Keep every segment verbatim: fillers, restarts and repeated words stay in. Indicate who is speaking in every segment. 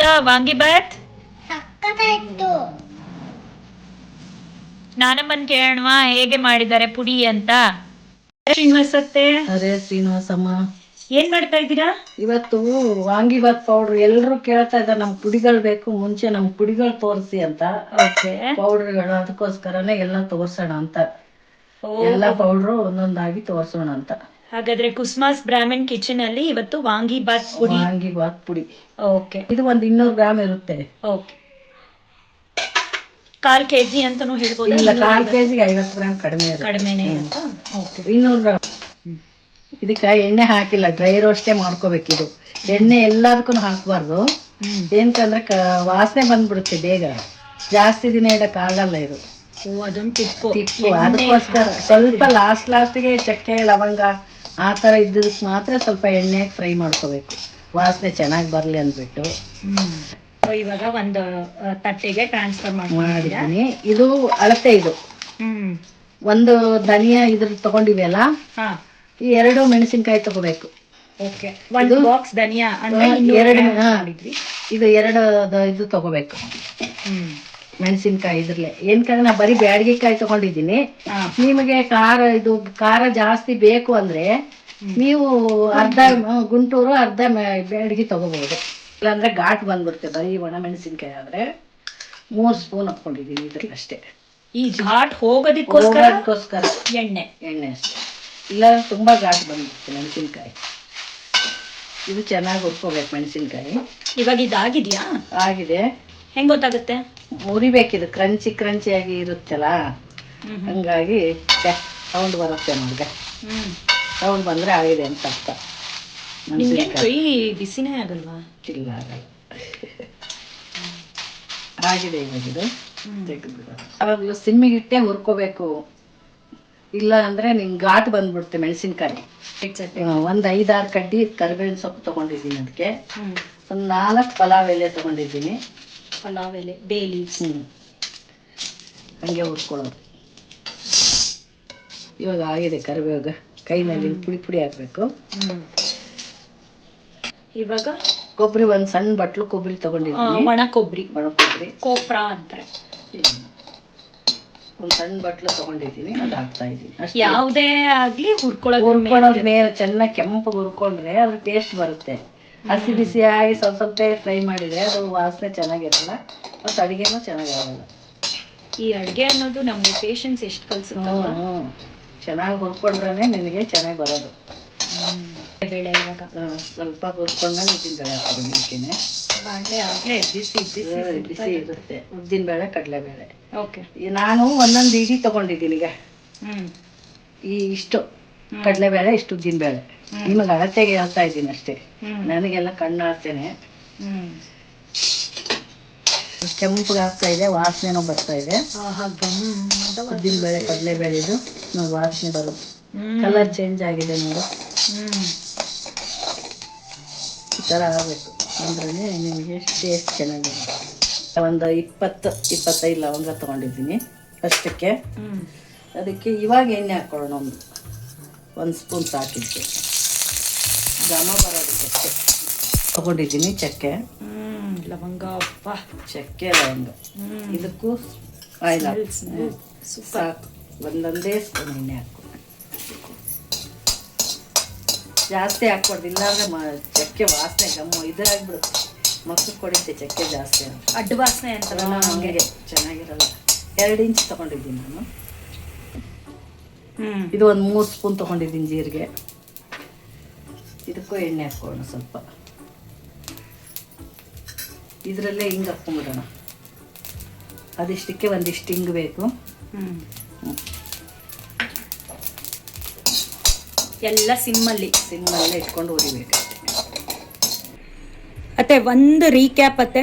Speaker 1: ಹೇಗಿತ್ತಾ ವಾಂಗಿ ಬಾತ್? ನಾನಮ್ಮನ್ ಕೇಳೋಣ ಹೇಗೆ ಮಾಡಿದ್ದಾರೆ ಪುಡಿ ಅಂತ. ಶ್ರೀನಿವಾಸತ್ತೆ.
Speaker 2: ಅರೆ ಶ್ರೀನಿವಾಸಮ್ಮ,
Speaker 1: ಏನ್ ಮಾಡ್ತಾ ಇದ್ದೀರಾ?
Speaker 2: ಇವತ್ತು ವಾಂಗಿ ಬಾತ್ ಪೌಡ್ರ್ ಎಲ್ರು ಕೇಳ್ತಾ ಇದ್ದಾರೆ, ನಮ್ ಪುಡಿಗಳು ಬೇಕು, ಮುಂಚೆ ನಮ್ ಪುಡಿಗಳು ತೋರಿಸಿ ಅಂತ. ಪೌಡ್ರ್ಗಳು ಅದಕ್ಕೋಸ್ಕರನೇ ಎಲ್ಲ ತೋರ್ಸೋಣ ಅಂತ, ಎಲ್ಲ ಪೌಡ್ರು ಒಂದೊಂದಾಗಿ ತೋರ್ಸೋಣ ಅಂತ.
Speaker 1: ಹಾಗಾದ್ರೆ ಕುಸ್ಮಾಸ್ ಬ್ರಾಹ್ಮಣ್ ಕಿಚನ್ ಅಲ್ಲಿ ಇವತ್ತು ವಾಂಗಿ ಬಾತ್ ಪುಡಿ.
Speaker 2: ವಾಂಗಿ ಬಾತ್ ಪುಡಿ
Speaker 1: ಓಕೆ,
Speaker 2: ಇದು ಒಂದು ಇನ್ನೂರು ಗ್ರಾಮ್ ಇರುತ್ತೆ.
Speaker 1: ಓಕೆ, ಕಾಲ್ ಕೆಜಿ ಅಂತಾನು ಹೇಳ್ಬೋದು.
Speaker 2: ಇಲ್ಲ, ಕಾಲ್ ಕೆಜಿಗೆ ಐವತ್ತು ಗ್ರಾಮ್ ಕಡಿಮೆ
Speaker 1: ಕಡಿಮೆನೆ.
Speaker 2: ಇನ್ನೂರು ಗ್ರಾಮ್. ಇದಕ್ಕೆ ಎಣ್ಣೆ ಹಾಕಿಲ್ಲ, ಡ್ರೈ ರೋಸ್ಟೇ ಮಾಡ್ಕೋಬೇಕು. ಇದು ಎಣ್ಣೆ ಎಲ್ಲದಕ್ಕೂ ಹಾಕಬಾರ್ದು, ಏನಕ್ಕಂದ್ರೆ ಕ ವಾಸನೆ ಬಂದ್ಬಿಡುತ್ತೆ ಬೇಗ, ಜಾಸ್ತಿ ದಿನ ಇಡಕ್ ಆಗಲ್ಲ ಇದು.
Speaker 1: ಅದೊಂದು ಟಿಪ್ಪು
Speaker 2: ಟಿಪ್ಪು ಅದಕ್ಕೋಸ್ಕರ ಸ್ವಲ್ಪ ಲಾಸ್ಟ್ ಲಾಸ್ಟಿಗೆ ಚಕ್ಕೆ ಲವಂಗ ಆ ಥರ ಇದ್ದದಕ್ಕೆ ಮಾತ್ರ ಸ್ವಲ್ಪ ಎಣ್ಣೆ ಫ್ರೈ ಮಾಡ್ಕೋಬೇಕು, ವಾಸನೆ ಚೆನ್ನಾಗಿ ಬರಲಿ ಅಂದ್ಬಿಟ್ಟು.
Speaker 1: ಇವಾಗ ಒಂದು ತಟ್ಟೆಗೆ ಟ್ರಾನ್ಸ್ಫರ್
Speaker 2: ಮಾಡಿದ್ದೀನಿ. ಇದು ಅಳತೆ, ಇದು
Speaker 1: ಹ್ಮ್
Speaker 2: ಒಂದು ಧನಿಯಾ ಇದ್ರ ತಗೊಂಡಿವೆಯಲ್ಲ, ಈ ಎರಡು ಮೆಣಸಿನ್ಕಾಯಿ ತಗೋಬೇಕು.
Speaker 1: ಓಕೆ, ಒಂದು ಬಾಕ್ಸ್ ಧನಿಯಾ ಅಂದ್ರೆ
Speaker 2: ಎರಡು, ಇದು ಎರಡು ಇದು ತಗೋಬೇಕು ಮೆಣಸಿನ್ಕಾಯಿ. ಇದ್ರಲ್ಲೇ ಏನ್ಕಂದ್ರೆ ನಾ ಬರೀ ಬ್ಯಾಡಗಿಕಾಯಿ ತಗೊಂಡಿದ್ದೀನಿ. ನಿಮಗೆ ಖಾರ ಇದು ಖಾರ ಜಾಸ್ತಿ ಬೇಕು ಅಂದ್ರೆ ನೀವು ಅರ್ಧ ಗುಂಟೂರು ಅರ್ಧ ಬ್ಯಾಡಗಿ ತಗೋಬಹುದು, ಇಲ್ಲಾಂದ್ರೆ ಘಾಟ್ ಬಂದ್ಬಿಡುತ್ತೆ. ಬರೀ ಒಣ ಮೆಣಸಿನ್ಕಾಯಿ ಆದ್ರೆ ಮೂರು ಸ್ಪೂನ್ ಹಾಕೊಂಡಿದ್ದೀನಿ ಇದ್ರಲ್ಲಿ ಅಷ್ಟೇ.
Speaker 1: ಈ ಘಾಟ್ ಹೋಗೋದಕ್ಕೋಸ್ಕರ ಎಣ್ಣೆ
Speaker 2: ಎಣ್ಣೆ ಅಷ್ಟೇ, ಇಲ್ಲ ತುಂಬಾ ಘಾಟ್ ಬಂದ್ಬಿಡುತ್ತೆ ಮೆಣಸಿನ್ಕಾಯಿ. ಇದು ಚೆನ್ನಾಗಿ ಹುರ್ಕೋಬೇಕು ಮೆಣಸಿನ್ಕಾಯಿ. ಇವಾಗ
Speaker 1: ಇದಾಗಿದ್ಯಾ?
Speaker 2: ಆಗಿದೆ.
Speaker 1: ಹೆಂಗ್ ಗೊತ್ತಾಗುತ್ತೆ?
Speaker 2: ಮುರಿಬೇಕಿದು, ಕ್ರಂಚಿ ಕ್ರಂಚಿಯಾಗಿ ಇರುತ್ತಲ್ಲ, ಹಂಗಾಗಿ ಸೌಂಡ್ ಬರುತ್ತೆ ನೋಡ್ಗೆ. ಸೌಂಡ್ ಬಂದ್ರೆ ಆಗಿದೆ ಅಂತ ಅರ್ಥ.
Speaker 1: ಕೈ ಬಿಸಿನೇ ಆಗಲ್ವಾ?
Speaker 2: ಇಲ್ಲ, ಆಗಲ್ಲ. ಆಗಿದೆ ಇವಾಗ ಇದು ತೆಗೆದ್ಬಿಡ. ಅವಾಗಲೂ ಸಿಮ್ಮಿಗಿಟ್ಟೆ ಹುರ್ಕೋಬೇಕು, ಇಲ್ಲ ಅಂದ್ರೆ ನಿಂಗೆ ಘಾಟ್ ಬಂದ್ಬಿಡುತ್ತೆ ಮೆಣಸಿನ್ಕಾಯಿ. ಒಂದು ಐದಾರು ಕಡ್ಡಿ ಕರಿಬೇವಿನ ಸೊಪ್ಪು ತಗೊಂಡಿದ್ದೀನಿ, ಅದಕ್ಕೆ ಒಂದು ನಾಲ್ಕು ಪಲಾವ್ ಎಲೆ ತಗೊಂಡಿದ್ದೀನಿ.
Speaker 1: ಪಲಾವ್ ಎಲೆ, ಬೇ ಲೀವ್ಸ್.
Speaker 2: ಹ್ಞೂ ಹಂಗೆ ಹುರ್ಕೊಳ್ಳೋದು. ಇವಾಗ ಆಗಿದೆ ಕರಿಬೇವಾಗ, ಕೈನಲ್ಲಿ ಪುಡಿ ಪುಡಿ ಹಾಕಬೇಕು.
Speaker 1: ಇವಾಗ
Speaker 2: ಕೊಬ್ಬರಿ ಒಂದು ಸಣ್ಣ ಬಟ್ಲು ಕೊಬ್ಬರಿ ತಗೊಂಡಿದ್ದೀನಿ,
Speaker 1: ಒಣ ಕೊಬ್ಬರಿ,
Speaker 2: ಒಣ ಕೊಬ್ಬರಿ
Speaker 1: ಕೋಪ್ರಾ ಅಂತಾರೆ.
Speaker 2: ಒಂದು ಸಣ್ಣ ಬಟ್ಲು ತಗೊಂಡಿದ್ದೀನಿ, ಅದು ಹಾಕ್ತಾ ಇದ್ದೀನಿ ಅಷ್ಟೇ.
Speaker 1: ಯಾವುದೇ ಆಗ್ಲಿ ಹುರ್ಕೊಳ್ಳೋದು,
Speaker 2: ಹುರ್ಕೊಳ್ಳೋದು ಮೇಲೆ ಚೆನ್ನಾಗಿ ಕೆಂಪು ಹುರ್ಕೊಂಡ್ರೆ ಅದ್ರ ಟೇಸ್ಟ್ ಬರುತ್ತೆ. ಹಸಿ ಬಿಸಿಯಾಗಿ ಸ್ವಲ್ಪ ಸ್ವಲ್ಪ ಫ್ರೈ ಮಾಡಿದ್ರೆ ಅದು ವಾಸನೆ ಚೆನ್ನಾಗಿರಲ್ಲ, ಮತ್ತು ಅಡುಗೆನೂ ಚೆನ್ನಾಗಿರಲ್ಲ.
Speaker 1: ಈ ಅಡುಗೆ ಅನ್ನೋದು ನಮಗೆ ಪೇಷನ್ಸ್ ಎಷ್ಟು ಕಲಿಸುತ್ತೆ.
Speaker 2: ಹ್ಞೂ, ಚೆನ್ನಾಗಿ ಹುರ್ಕೊಂಡ್ರೆ ನಿನಗೆ ಚೆನ್ನಾಗಿ ಬರೋದು.
Speaker 1: ಬೇಳೆ ಇವಾಗ
Speaker 2: ಸ್ವಲ್ಪ ಹುರ್ಕೊಂಡ್ಮೇಲೆ ಉದ್ದಿನಬೇಳೆ ಹಾಕೋಬೇಕೇನೆ.
Speaker 1: ಬಾಣಲೆ ಆಗಲೇ ಬಿಸಿ ಬಿಸಿ
Speaker 2: ಬಿಸಿ ಇರುತ್ತೆ ಉದ್ದಿನಬೇಳೆ ಕಡಲೆಬೇಳೆ.
Speaker 1: ಓಕೆ,
Speaker 2: ನಾನು ಒಂದೊಂದು ಇಡಿ ತಗೊಂಡಿದ್ದೀನಿ. ಈಗ ಈ ಇಷ್ಟು ಕಡಲೆಬೇಳೆ, ಇಷ್ಟು ಉದ್ದಿನಬೇಳೆ, ನಿಮಗೆ ಅಳತೆಗೆ ಹೇಳ್ತಾ ಇದ್ದೀನಿ ಅಷ್ಟೇ. ನನಗೆಲ್ಲ ಕಣ್ಣು ಆಡ್ತೇನೆ. ಕೆಂಪುಗೆ ಆಗ್ತಾ ಇದೆ, ವಾಸನೆನೂ ಬರ್ತಾ ಇದೆ. ಉದ್ದಿನಬೇಳೆ ಕಡಲೆಬೇಳೆದು ನೋಡಿ ವಾಸನೆ ಬರುತ್ತೆ, ಕಲರ್ ಚೇಂಜ್ ಆಗಿದೆ ನೋಡು. ಈ ಥರ ಆಗಬೇಕು ಅಂದ್ರೆ ನಿಮಗೆ ಟೇಸ್ಟ್ ಚೆನ್ನಾಗಿರುತ್ತೆ. ಒಂದು ಇಪ್ಪತ್ತು ಇಪ್ಪತ್ತೈದು ಲವಂಗ ತೊಗೊಂಡಿದ್ದೀನಿ ಅಷ್ಟಕ್ಕೆ. ಅದಕ್ಕೆ ಇವಾಗ ಎಣ್ಣೆ ಹಾಕ್ಕೊಳ್ಳೋಣ, ಒಂದು ಒಂದು ಸ್ಪೂನ್ ಸಾಕಿತ್ತು, ಘಮ ಬರೋದಕ್ಕೆ ತೊಗೊಂಡಿದ್ದೀನಿ. ಚಕ್ಕೆ,
Speaker 1: ಲವಂಗ,
Speaker 2: ಚಕ್ಕೆ ಲವಂಗ, ಇದಕ್ಕೂ ಆಯಿಲ್ ಸಾಕು. ಒಂದೊಂದೇ ಸ್ಪೂನ್ ಎಣ್ಣೆ ಹಾಕಿ, ಜಾಸ್ತಿ ಹಾಕ್ಬಾರ್ದು, ಇಲ್ಲಾಂದ್ರೆ ಮ ಚಕ್ಕೆ ವಾಸನೆ ಗಮ್ಮ ಇದಾಗ್ಬಿಡುತ್ತೆ, ಮಕ್ಕಳು ಕೊಡುತ್ತೆ ಚಕ್ಕೆ ಜಾಸ್ತಿ
Speaker 1: ಅಡ್ಡ ವಾಸನೆ ಅಂತಾರಲ್ಲ,
Speaker 2: ಹಂಗೆ ಚೆನ್ನಾಗಿರಲ್ಲ. ಎರಡು ಇಂಚ್ ತೊಗೊಂಡಿದ್ದೀನಿ ನಾನು. ಇದು ಒಂದು ಮೂರು ಸ್ಪೂನ್ ತೊಗೊಂಡಿದ್ದೀನಿ ಜೀರಿಗೆ. ಇದಕ್ಕೂ ಎಣ್ಣೆ ಹಾಕ್ಕೊಳ್ಳೋಣ ಸ್ವಲ್ಪ. ಇದರಲ್ಲೇ ಹಿಂಗೆ ಹಾಕ್ಕೊಂಬಿಡೋಣ, ಅದಿಷ್ಟಕ್ಕೆ ಒಂದಿಷ್ಟು ಹಿಂಗೆ ಬೇಕು.
Speaker 1: ಎಲ್ಲ ಸಿಮ್ಮಲ್ಲಿ
Speaker 2: ಸಿಮ್ಮಲ್ಲೇ ಇಟ್ಕೊಂಡು ಉರಿಬೇಕು.
Speaker 1: ಅತ್ತೆ ಒಂದು ರೀಕ್ಯಾಪ್ ಅತ್ತೆ.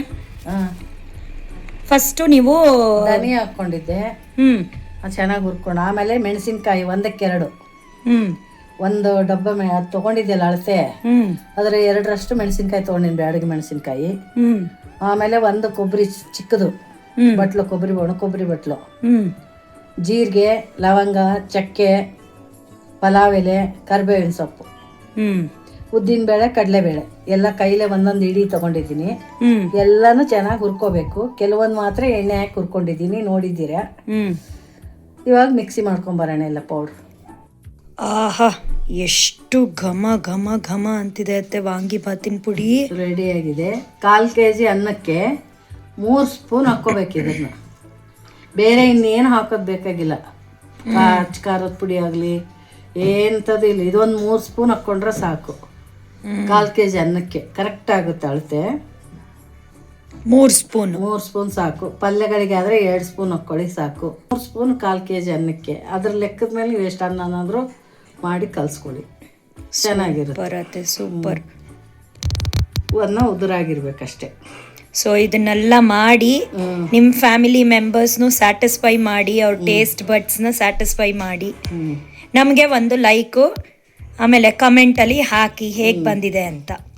Speaker 1: ಫಸ್ಟು ನೀವು
Speaker 2: ಧನಿಯಾ ಹಾಕ್ಕೊಂಡಿದ್ದೆ,
Speaker 1: ಹ್ಮ್
Speaker 2: ಅದು ಚೆನ್ನಾಗಿ ಹುರ್ಕೊಂಡು, ಆಮೇಲೆ ಮೆಣಸಿನ್ಕಾಯಿ ಒಂದಕ್ಕೆರಡು,
Speaker 1: ಹ್ಮ್
Speaker 2: ಒಂದು ಡಬ್ಬ ಮೆ ಅದು ತೊಗೊಂಡಿದ್ದೆಲ್ಲ ಅಳತೆ,
Speaker 1: ಹ್ಮ್
Speaker 2: ಅದರ ಎರಡರಷ್ಟು ಮೆಣಸಿನ್ಕಾಯಿ ತೊಗೊಂಡಿನಿ, ಬ್ಯಾಡಗಿ ಮೆಣಸಿನ್ಕಾಯಿ.
Speaker 1: ಹ್ಮ್
Speaker 2: ಆಮೇಲೆ ಒಂದು ಕೊಬ್ಬರಿ ಚಿಕ್ಕದು ಬಟ್ಲು, ಕೊಬ್ಬರಿ ಒಣ ಕೊಬ್ಬರಿ ಬಟ್ಲು,
Speaker 1: ಹ್ಮ್
Speaker 2: ಜೀರಿಗೆ, ಲವಂಗ, ಚಕ್ಕೆ, ಪಲಾವ್ ಎಲೆ, ಕರಿಬೇವಿನ ಸೊಪ್ಪು,
Speaker 1: ಹ್ಮ್
Speaker 2: ಉದ್ದಿನಬೇಳೆ ಕಡಲೆಬೇಳೆ ಎಲ್ಲ ಕೈಲೇ ಒಂದೊಂದು ಇಡೀ ತೊಗೊಂಡಿದ್ದೀನಿ.
Speaker 1: ಹ್ಮ್
Speaker 2: ಎಲ್ಲನೂ ಚೆನ್ನಾಗಿ ಹುರ್ಕೋಬೇಕು. ಕೆಲವೊಂದು ಮಾತ್ರ ಎಣ್ಣೆ ಹಾಕಿ ಹುರ್ಕೊಂಡಿದ್ದೀನಿ, ನೋಡಿದ್ದೀರಾ.
Speaker 1: ಹ್ಮ್
Speaker 2: ಇವಾಗ ಮಿಕ್ಸಿ ಮಾಡ್ಕೊಂಬರೋಣ ಎಲ್ಲ ಪೌಡ್ರ್.
Speaker 1: ಆಹಾ, ಎಷ್ಟು ಘಮ ಘಮ ಘಮ ಅಂತಿದೆ ಅತ್ತೆ ವಾಂಗಿಬಾತಿನ ಪುಡಿ.
Speaker 2: ರೆಡಿಯಾಗಿದೆ. ಕಾಲು ಕೆ ಜಿ ಅನ್ನಕ್ಕೆ ಮೂರು ಸ್ಪೂನ್ ಹಾಕ್ಕೋಬೇಕು ಇದನ್ನು. ಬೇರೆ ಇನ್ನೇನು ಹಾಕೋದು ಬೇಕಾಗಿಲ್ಲ. ಅಚ್ಚ ಖಾರದ ಪುಡಿ ಆಗಲಿ ಎಂಥದ್ದು ಇಲ್ಲ. ಇದೊಂದು ಮೂರು ಸ್ಪೂನ್ ಹಾಕ್ಕೊಂಡ್ರೆ ಸಾಕು. ಕಾಲು ಕೆ ಜಿ ಅನ್ನಕ್ಕೆ ಕರೆಕ್ಟ್ ಆಗುತ್ತೆ ಅಳತೆ.
Speaker 1: ಮೂರು ಸ್ಪೂನ್
Speaker 2: ಮೂರು ಸ್ಪೂನ್ ಸಾಕು. ಪಲ್ಯಗಳಿಗೆ ಆದರೆ ಎರಡು ಸ್ಪೂನ್ ಹಾಕ್ಕೊಳ್ಳಿ ಸಾಕು. ಮೂರು ಸ್ಪೂನ್ ಕಾಲು ಕೆ ಜಿ ಅನ್ನಕ್ಕೆ. ಅದ್ರ ಲೆಕ್ಕದ ಮೇಲೆ ನೀವು ಎಷ್ಟು ಅನ್ನನಾದರೂ ಮಾಡಿ ಕಲಿಸ್ಕೊಳ್ಳಿ, ಚೆನ್ನಾಗಿರುತ್ತೆ.
Speaker 1: ಬರತ್ತೆ ಸೂಪರ್.
Speaker 2: ಅನ್ನ ಉದುರಾಗಿರ್ಬೇಕಷ್ಟೆ.
Speaker 1: ಸೊ ಇದನ್ನೆಲ್ಲ ಮಾಡಿ ನಿಮ್ಮ ಫ್ಯಾಮಿಲಿ ಮೆಂಬರ್ಸ್ನು ಸ್ಯಾಟಿಸ್ಫೈ ಮಾಡಿ, ಅವ್ರ ಟೇಸ್ಟ್ ಬಡ್ಸ್ನ ಸ್ಯಾಟಿಸ್ಫೈ ಮಾಡಿ ನಮಗೆ ಒಂದು ಲೈಕು ಆಮೇಲೆ ಕಮೆಂಟಲ್ಲಿ ಹಾಕಿ ಹೇಗೆ ಬಂದಿದೆ ಅಂತ.